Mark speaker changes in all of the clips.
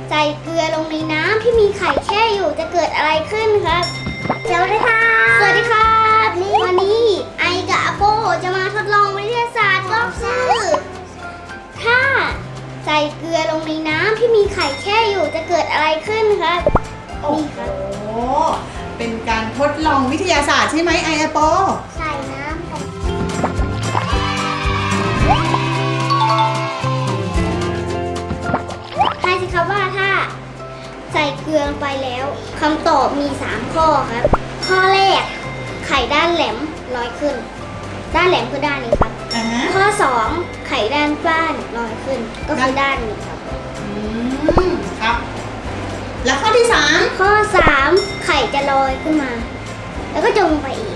Speaker 1: ใส่เกลือลงในน้ำที่มีไข่แช่อยู่จะเกิดอะไรขึ้นครับสวัสดีค่ะสวัสดีครับวันนี้ไอกับอาโปจะมาทดลองวิทยาศาสตร์ก็คือถ้าใส่เกลือลงในน้ำที่มีไข่แช่อยู่จะเกิดอะไรขึ้นครับ
Speaker 2: โอ้โหเป็นการทดลองวิทยาศาสตร์ใช่ไหมไอแอปเปิล
Speaker 1: ใส่น้ำกันทายสิครับว่าถ้าใส่เกลือลงไปแล้วคำตอบมี3ข้อครับ ข้อแรกไข่ด้านแหลมลอยขึ้น ด้านแหลมคือด้านนี้ครับ ข้อ 2ไข่ด้านฟ้านลอยขึ้นก็คือด้านนี้ครับ
Speaker 2: ครับ แล้วข้อที่3
Speaker 1: ข้อ 3ไข่จะลอยขึ้นมา แล้วก็จมลงไปอีก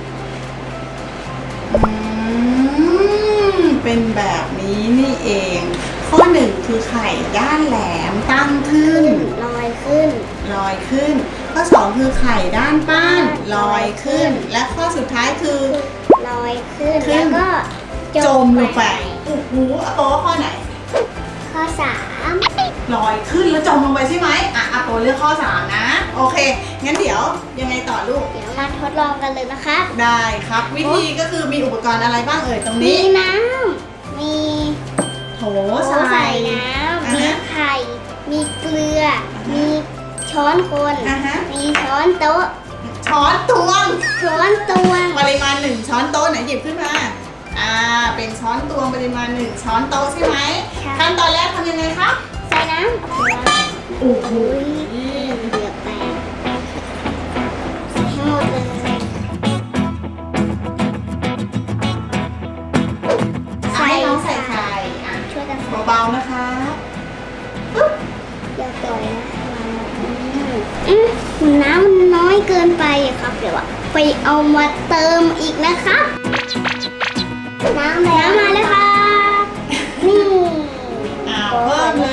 Speaker 2: เป็นแบบนี้นี่เอง ข้อ1คือไข่ด้านแหลมตั้งขึ้น
Speaker 1: ลอยขึ้น
Speaker 2: ลอยขึ้น ข้อ2คือไข่ด้านป้านลอยขึ้น และข้อสุดท้ายคือ
Speaker 1: ลอยขึ้น
Speaker 2: ขึ้
Speaker 1: แล้ว
Speaker 2: น
Speaker 1: ก็
Speaker 2: จมลงไปโอ้โหอาโปข้อไหน
Speaker 1: ข้อ 3
Speaker 2: ลอยขึ้นแล้วจมลงไปใช่ไหมอาโปเลือกข้อ3นะโอเคงั้นเดี๋ยวยังไงต่อลูก
Speaker 1: เดี๋ยวมาทดลองกันเลยนะคะ
Speaker 2: ได้ครับ วิธีก็คือมีอุปกรณ์อะไรบ้างเอ่ยตรง
Speaker 1: มี
Speaker 2: นี้
Speaker 1: น้ำ มี
Speaker 2: โถ
Speaker 1: โถใส่น้ำ มีไข่ มีเกลือ มีช้อนคน มีช้อนโต๊ะ
Speaker 2: ช้อนตวง
Speaker 1: ช้อนตวง
Speaker 2: ปริมาณ1ช้อนโต๊ะไหนหยิบขึ้นมาเป็นช้อนตวงปริมาณ1ช้อนโต๊ะใช่ไหม
Speaker 1: ใช่
Speaker 2: ขั้นตอนแรกทำยังไงครับ
Speaker 1: ใส่น้ำ
Speaker 2: โอ้โห
Speaker 1: เดือดแตกใส่ให้หมดเลย
Speaker 2: ให้น้องใส่ไข่
Speaker 1: ช่วยกันใส่
Speaker 2: เบาๆนะคะ
Speaker 1: อย่าปล่อยนะน้ำมันน้อยเกินไปอะครับ เดี๋ยวไปเอามาเติมอีกนะครับ น้ำมาแล้วครับนี่
Speaker 2: เพิ่มเลย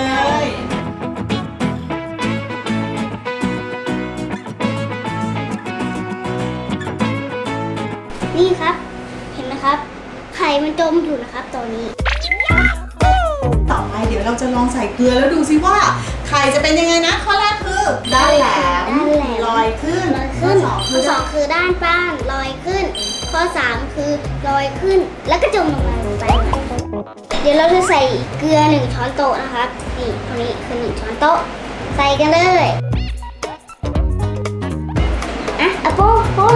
Speaker 1: นี่ครับ เห็นไหมครับ ไข่มันจมอยู่นะครับตอนนี้
Speaker 2: ต่อไปเดี๋ยวเราจะลองใส่เกลือแล้วดูซิว่าไข่จะเป็นยังไงนะข้อแรกคือด้านแหลม
Speaker 1: ด้านแหลม
Speaker 2: ลอยขึ้น
Speaker 1: ลอยขึ้น
Speaker 2: ข้อ
Speaker 1: ข้อสองคือด้านป้านลอยขึ้น ข้อ 3 คือลอยขึ้น แล้วก็จมลงไปเดี๋ยวเราจะใส่เกลือ1ช้อนโต๊ะนะครับ นี่ตัวนี้คือ1ช้อนโต๊ะ ใส่กันเลยอะโป้คน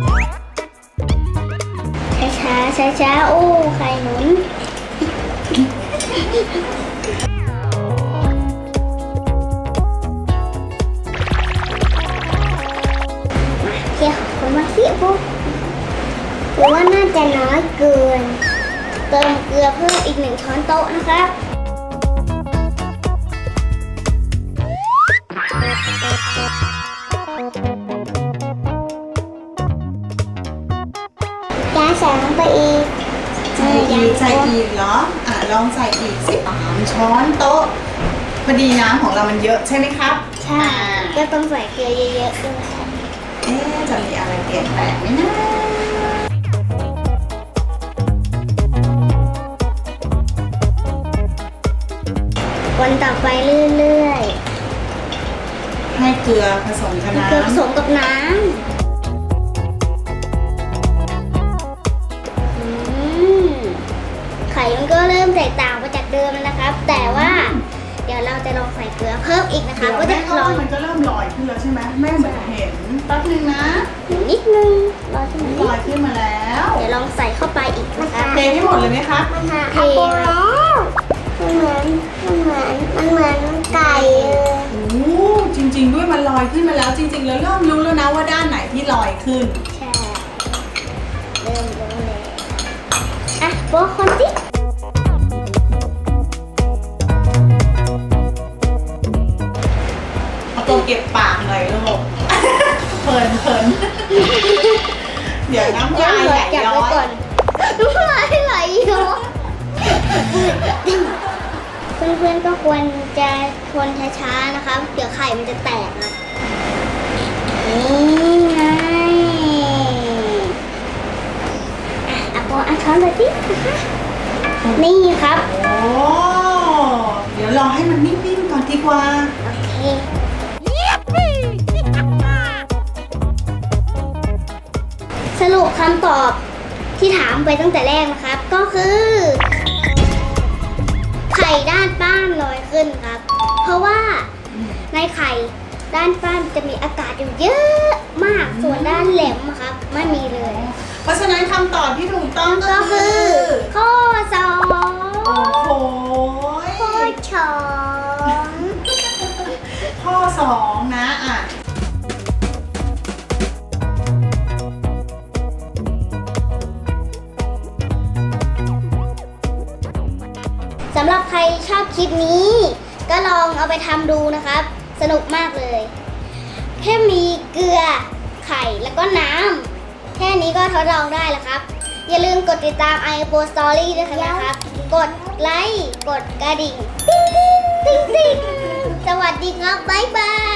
Speaker 1: ช้าโอ้ไข่หนุนเที่ยวคนมาสิพวกหรือว่าน่าจะน้อยเกิน เติมเกลือเพิ่มอีก1ช้อนโต๊ะนะครับจะใส่ลงไปอีก
Speaker 2: ใส่อีกเหรอลองใส่อีกสิ3ช้อนโต๊ะพอดีน้ำของเรามันเยอะใช่ไหมครับ
Speaker 1: ใช่ก็ต้องใส่เกลือเยอะๆด้วย
Speaker 2: จะมีอะไรเปลี่ยนแปลงไหมนะ
Speaker 1: วนต่อไปเรื่อยๆ
Speaker 2: ให้เกลือผสมกับน้ำ
Speaker 1: เกลือผสมกับน้ำไข่มันก็เริ่มแตกต่างไปจากเดิมแล้วนะครับ แต่ว่าเดี๋ยวเราจะลองใส่เกลือเพิ่มอีกนะคะ ก็จะ
Speaker 2: ลอยมันก็เริ่มลอยขึ้นแล้วใช่ไหมแม่เหมือนเห็นแป๊บนึงนะ
Speaker 1: นิดนึงรอขึ้นมา
Speaker 2: ลอยขึ้นมาแล้ว
Speaker 1: เดี๋ยวลองใส่เข้าไปอีกนะคะ
Speaker 2: เทให้หมดเลยไหมคะ
Speaker 1: เทแล้วมันเหมือนไก่เลย
Speaker 2: โอ้จริงๆด้วยมันลอยขึ้นมาแล้วจริงๆแล้วเริ่มรู้แล้วนะว่าด้านไหนที่ลอยขึ้น
Speaker 1: ใช่เริ่มรู้เลยโป๊ะคนสิ
Speaker 2: เอาตัวเก็บปากหน่อยลูก เพลินเดี๋ยวน้ำลายไหลย้อย
Speaker 1: น้ำลายไหลย้อยเพื่อนๆก็ควรจะคนช้าๆนะคะ เดี๋ยวไข่มันจะแตกนะนี่ไงโป๊ะช้อนไปสินี่ครับ
Speaker 2: โอ้เดี๋ยวรอให้มันนิ่มๆก่อนดีกว่า
Speaker 1: โอเคนี่สรุปคำตอบที่ถามไปตั้งแต่แรกนะครับ ก็คือ ไข่ด้านป้านลอยขึ้นครับ เพราะว่าในไข่ด้านป้านจะมีอากาศอยู่เยอะมาก ส่วนด้านแหลมอะครับไม่มีเลย
Speaker 2: เพราะฉะนั้นคำตอบที่ถูกต้องก็
Speaker 1: ก็
Speaker 2: คื
Speaker 1: คือ อข้อสอง
Speaker 2: โอ้โห
Speaker 1: ข้อสอง
Speaker 2: ข้อ2นะอ่ะ
Speaker 1: สำหรับใครชอบคลิปนี้ ก็ลองเอาไปทำดูนะครับ สนุกมากเลย แค่มีเกลือไข่แล้วก็น้ำแค่นี้ก็ทดลองได้แล้วครับ อย่าลืมกดติดตาม iPo Story ด้วยนะครับ กดไลค์ กดกระดิ่ง ติ๊งติ๊งติ๊งติ๊งสวัสดีครับ บ๊ายบาย